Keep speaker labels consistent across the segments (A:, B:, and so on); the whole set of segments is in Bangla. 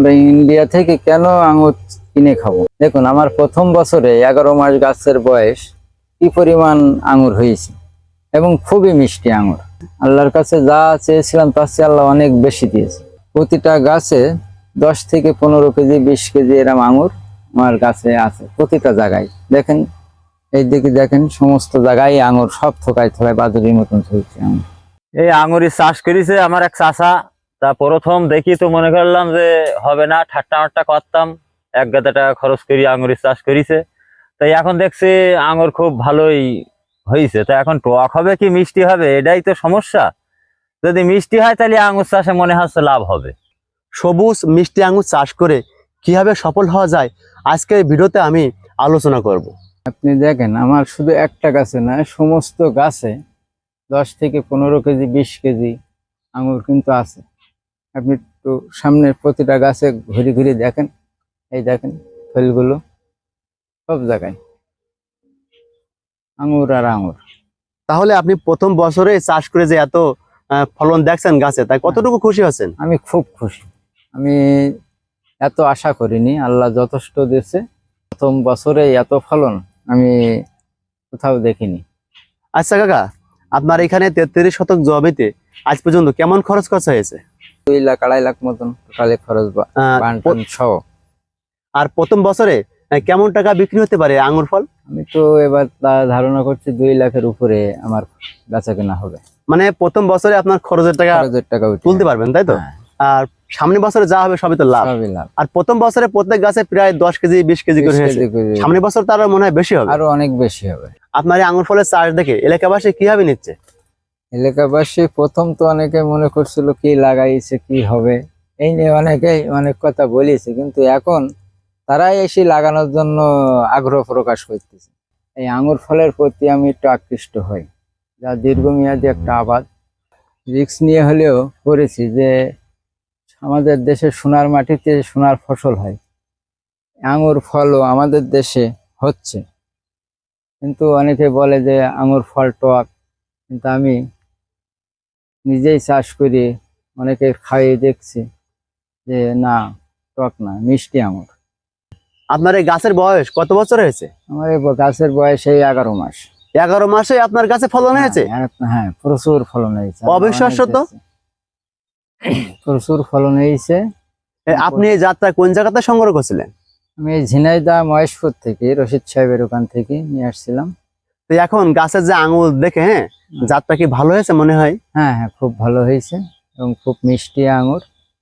A: আমরা ইন্ডিয়া থেকে কেন আঙুর কিনে খাবো? দেখুন, আমার প্রথম বছরে 11 মাস গাছের বয়স কি পরিমাণ আঙুর হয়েছে, এবং খুবই মিষ্টি আঙুর। আল্লাহর কাছে যা চেয়েছিলাম তার চেয়ে আল্লাহ অনেক বেশি দিয়েছে। প্রতিটা গাছে 10 থেকে 15 কেজি 20 কেজি এরম আঙুর আমার গাছে আছে, প্রতিটা জায়গায়। দেখেন, এই দিকে দেখেন, সমস্ত জায়গায় আঙুর, সব থোকায় থোকায় বাদুড়ির মতন চলছে আঙুর।
B: এই আঙুরের চাষ করেছে আমার এক চাচা। তা প্রথম দেখি তো মনে করলাম যে হবে না, ঠাট্টা মাট্টা করতাম, 1,000 টাকা খরচ করি আঙুরের চাষ করেছে। তাই এখন দেখছি আঙুর খুব ভালোই হয়েছে। তা এখন টক হবে কি মিষ্টি হবে, এটাই তো সমস্যা। যদি মিষ্টি হয় তাহলে আঙুর চাষে মনে হচ্ছে লাভ হবে।
C: সবুজ মিষ্টি আঙুর চাষ করে কিভাবে সফল হওয়া যায় আজকের ভিডিওতে আমি আলোচনা করব।
A: আপনি দেখেন, আমার শুধু একটা গাছে না, সমস্ত গাছে 10 থেকে 15 কেজি 20 কেজি আঙুর কিন্তু আছে। আপনি একটু সামনের প্রতিটা গাছে ঘুরে ঘুরে দেখেন, এই দেখেন ফলগুলো, সব জায়গায় আঙুর আর আঙুর।
C: তাহলে আপনি প্রথম বছরে চাষ করে যে এত ফলন দেখছেন গাছে, তাই কতটুকু খুশি হচ্ছেন?
A: আমি খুব খুশি। আমি এত আশা করিনি, আল্লাহ যথেষ্ট দিয়েছে। প্রথম বছরে এত ফলন আমি কোথাও দেখিনি।
C: আচ্ছা কাকা, আপনার এখানে 33 শতক জমিতে আজ পর্যন্ত কেমন খরচ খরচা হয়েছে?
A: 2 লাখ 2.5 লাখ মতন টোটালে খরচ, বানটান সহ।
C: আর প্রথম বছরে কেমন টাকা বিক্রি হতে পারে আঙুর ফল?
A: আমি তো এবার ধারণা করছি 2 লাখের উপরে আমার বেচা কেনা হবে।
C: মানে প্রথম বছরে আপনার খরচের টাকা তুলতে পারবেন, তাই তো?
A: হ্যাঁ।
C: আর সামনের বছরে যা হবে সবই তো লাভ।
A: সবই লাভ।
C: আর প্রথম বছরে প্রত্যেক গাছে প্রায় 10 কেজি 20 কেজি করে হয়েছে। সামনের বছর তার মনে হয় বেশি হবে,
A: আরো অনেক বেশি হবে।
C: আপনার এই আঙুর ফলের চাষ দেখে এলাকাবাসী কিভাবে নিচ্ছে?
A: এলাকাবাসী প্রথম তো অনেকে মনে করছিল কি লাগাইছে, কি হবে, এই নিয়ে অনেকেই অনেক কথা বলেছে, কিন্তু এখন তারাই এসে লাগানোর জন্য আগ্রহ প্রকাশ করতেছে। এই আঙুর ফলের প্রতি আমি একটু আকৃষ্ট হই, যা দীর্ঘমেয়াদী একটা আবাদ। রিস্ক নিয়ে হলেও করেছি, যে আমাদের দেশের সোনার মাটিতে সোনার ফসল হয়, আঙুর ফলও আমাদের দেশে হচ্ছে। কিন্তু অনেকে বলে যে আঙুর ফল টক, কিন্তু আমি নিজেই চাষ করি, অনেকে খাইয়ে দেখছি যে না, টক না, মিষ্টি আঙুর।
C: আপনার এই গাছের বয়স কত বছর হয়েছে?
A: আমার এই গাছের বয়স এই 11 মাস।
C: 11 মাসে আপনার গাছে ফলন হয়েছে?
A: হ্যাঁ, প্রচুর ফলন হয়েছে।
C: অবিশ্বাস্য তো।
A: প্রচুর ফলন হয়েছে।
C: আপনি এই যাত্রা কোন জায়গাতে সংগ্রহ করছিলেন?
A: আমি ঝিনাইদহ মহেশপুর থেকে রশিদ সাহেবের ওখান থেকে নিয়ে আসছিলাম।
C: তো এখন গাছের যে আঙুর দেখে, হ্যাঁ, জাতটা কি ভালো হয়েছে মনে হয়?
A: হ্যাঁ হ্যাঁ, খুব ভালো হয়েছে এবং খুব মিষ্টি আঙুর।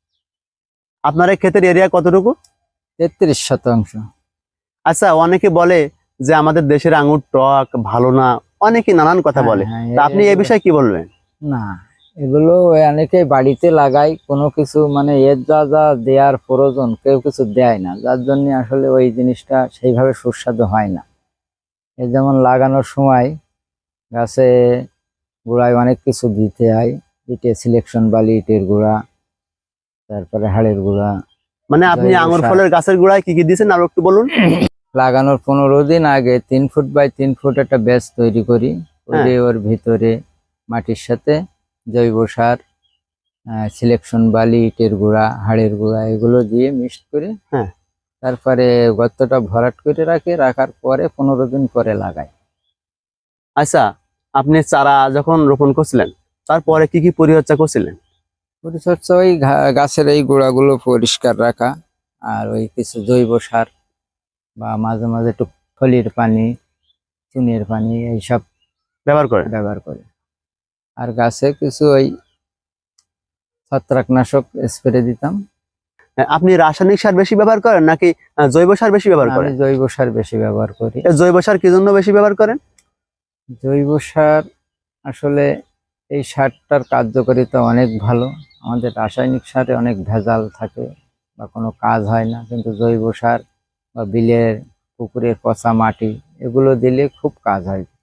C: আপনার এই ক্ষেতের এরিয়া কতটুকু?
A: 33 শতাংশ।
C: আচ্ছা, অনেকে বলে যে আমাদের দেশের আঙুর টক, ভালো না, অনেকে নানান কথা বলে। তা আপনি এই বিষয়ে কি বলবেন?
A: না, এগুলো অনেকে বাড়িতে লাগায়, কোনো কিছু মানে এর যা যা দেওয়ার প্রয়োজন কেউ কিছু দেয় না, যার জন্য আসলে ওই জিনিসটা সেইভাবে সুস্বাদু হয় না। এই যেমন লাগানোর সময় গাছে গোড়ায় অনেক কিছু দিতে হয়, ইটে সিলেকশন বালি, ইটের গুঁড়া, তারপরে হাড়ের গুঁড়া।
C: মানে আপনি আঙুর ফলের গাছের গোড়ায় কি কি দিয়েছেন আর একটু বলুন।
A: লাগানোর 15 দিন আগে 3 ফুট বাই 3 ফুট একটা ব্যাচ তৈরি করি, ওর ভিতরে মাটির সাথে জৈব সার, সিলেকশন বালি, ইটের গুঁড়া, হাড়ের গুঁড়া, এগুলো দিয়ে মিক্সড করে,
C: হ্যাঁ,
A: তারপরে গর্তটা ভরাট করে রাখার পরে 15 দিন পরে লাগাই।
C: আচ্ছা, আপনি চারা যখন রোপণ করছিলেন তারপরে কি কি পরিচর্যা করছিলেন?
A: পরিচর্যা ওই গাছের এই গোড়াগুলো পরিষ্কার রাখা, আর ওই কিছু জৈব সার বা মাঝে মাঝে একটু ফলির পানি, চুনের পানি, এইসব ব্যবহার করে। আর গাছে কিছু ওই ছত্রাকনাশক স্প্রে দিতাম।
C: আপনি রাসায়নিক সার বেশি ব্যবহার করেন নাকি জৈব সার বেশি ব্যবহার করেন?
A: আমি জৈব সার বেশি ব্যবহার করি।
C: জৈব সার কি জন্য বেশি ব্যবহার করেন?
A: জৈব সার আসলে এই সারটার কার্যকারিতা অনেক ভালো। আমাদের রাসায়নিক সারে অনেক ভেজাল থাকে বা কোনো কাজ হয় না, কিন্তু জৈব সার বা বিলের পুকুরের পচা মাটি, এগুলো দিলে খুব কাজ হয়।